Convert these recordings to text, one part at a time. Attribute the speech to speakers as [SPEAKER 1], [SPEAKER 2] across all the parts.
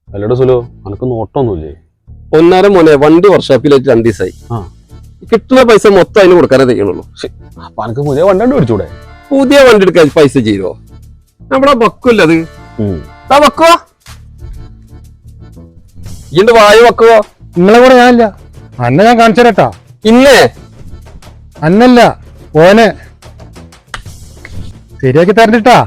[SPEAKER 1] അല്ലട സുലോ അനക്ക് നോട്ടൊന്നുമില്ലേ?
[SPEAKER 2] ഒന്നര മോനെ വണ്ടി വർക്ക്ഷോപ്പിലായിട്ട് 2 ദിവസമായി. കിട്ടുന്ന പൈസ മൊത്തം അതിന് കൊടുക്കാനേ തയ്യണുള്ളൂ.
[SPEAKER 1] അപ്പൊ അനക്ക് പുതിയ വണ്ടി മേടിച്ചൂടെ?
[SPEAKER 2] പുതിയ വണ്ടി എടുക്കാൻ പൈസ ചെയ്തോ? നമ്മുടെ ബക്കുമല്ല അത്. വെക്കോ ഇണ്ട് വായു വെക്കുവോ?
[SPEAKER 3] നിങ്ങളെ കൂടെ ഞാനില്ല. അന്നെ ഞാൻ കാണിച്ചു തരട്ടാ.
[SPEAKER 2] ഇന്നേ
[SPEAKER 3] അന്നല്ല ഓനെ ശരിയാക്കി തരണ്ടിട്ടാ.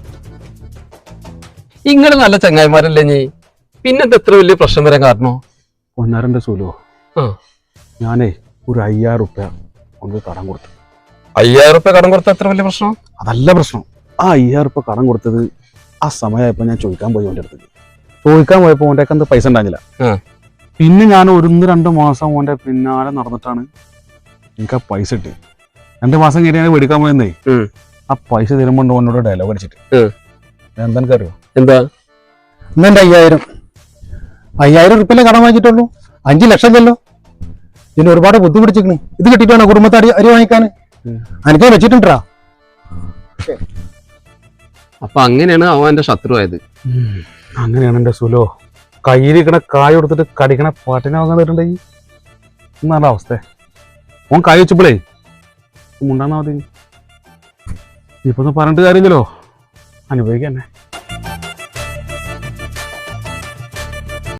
[SPEAKER 2] ഇങ്ങള് നല്ല ചങ്ങായിമാരല്ലേ നീ, പിന്നെന്താ എത്ര വലിയ പ്രശ്നം വരാൻ കാരണോ?
[SPEAKER 1] ഒന്നരന്റെ സുലോ ഞാനേ ഒരു 5000 റുപ്യ ഒന്ന് കടം കൊടുത്തു.
[SPEAKER 2] 5000 റുപ്യ കടം കൊടുത്ത എത്ര വലിയ പ്രശ്നം?
[SPEAKER 1] അതല്ല പ്രശ്നം. ആ 5000 റുപ്യ കടം കൊടുത്തത് ആ സമയമായപ്പോ ഞാൻ ചോദിക്കാൻ പോയി ഓൻ്റെ അടുത്ത്. ചോദിക്കാൻ പോയപ്പോ ഓൻ്റെ എന്ത് പൈസ ഉണ്ടായിരുന്നില്ല. പിന്നെ ഞാൻ 1-2 മാസം ഓൻ്റെ പിന്നാലെ നടന്നിട്ടാണ് എനിക്ക് ആ പൈസ കിട്ടി. 2 മാസം കഴിഞ്ഞ് ഞാൻ മേടിക്കാൻ പോയെന്നേ ആ പൈസ തരുമ്പോ ഓനോട് ഡയലോഗ് അടിച്ചിട്ട് എന്താ എനിക്കറിയോ?
[SPEAKER 3] എന്താ ഇന്നെന്റെ 5000 റുപ്യല്ലേ കടം വാങ്ങിച്ചിട്ടുള്ളൂ, 5 ലക്ഷം ചെല്ലോ. ഇതിന് ഒരുപാട് ബുദ്ധിമുട്ടിച്ചിരിക്കണ്. ഇത് കിട്ടിയിട്ടാണ് കുടുംബത്തെ അരി വാങ്ങിക്കാൻ എനിക്ക് വെച്ചിട്ടുണ്ടാ.
[SPEAKER 2] അപ്പൊ അങ്ങനെയാണ് അവൻ എന്റെ ശത്രു ആയത്.
[SPEAKER 1] അങ്ങനെയാണ് എന്റെ സുലോ. കയ്യിലിരിക്കണ കായ് കൊടുത്തിട്ട് കടിക്കണ പാട്ടിനെ വാങ്ങാൻ തരുന്നുണ്ടെങ്കിൽ എന്നാണ് അവസ്ഥ. ഓൻ കായ് വെച്ചപ്പോഴേ മുണ്ടാന്നാ മതി. ഇപ്പൊ പറഞ്ഞിട്ട് കാര്യമില്ലല്ലോ, അനുഭവിക്കന്നെ.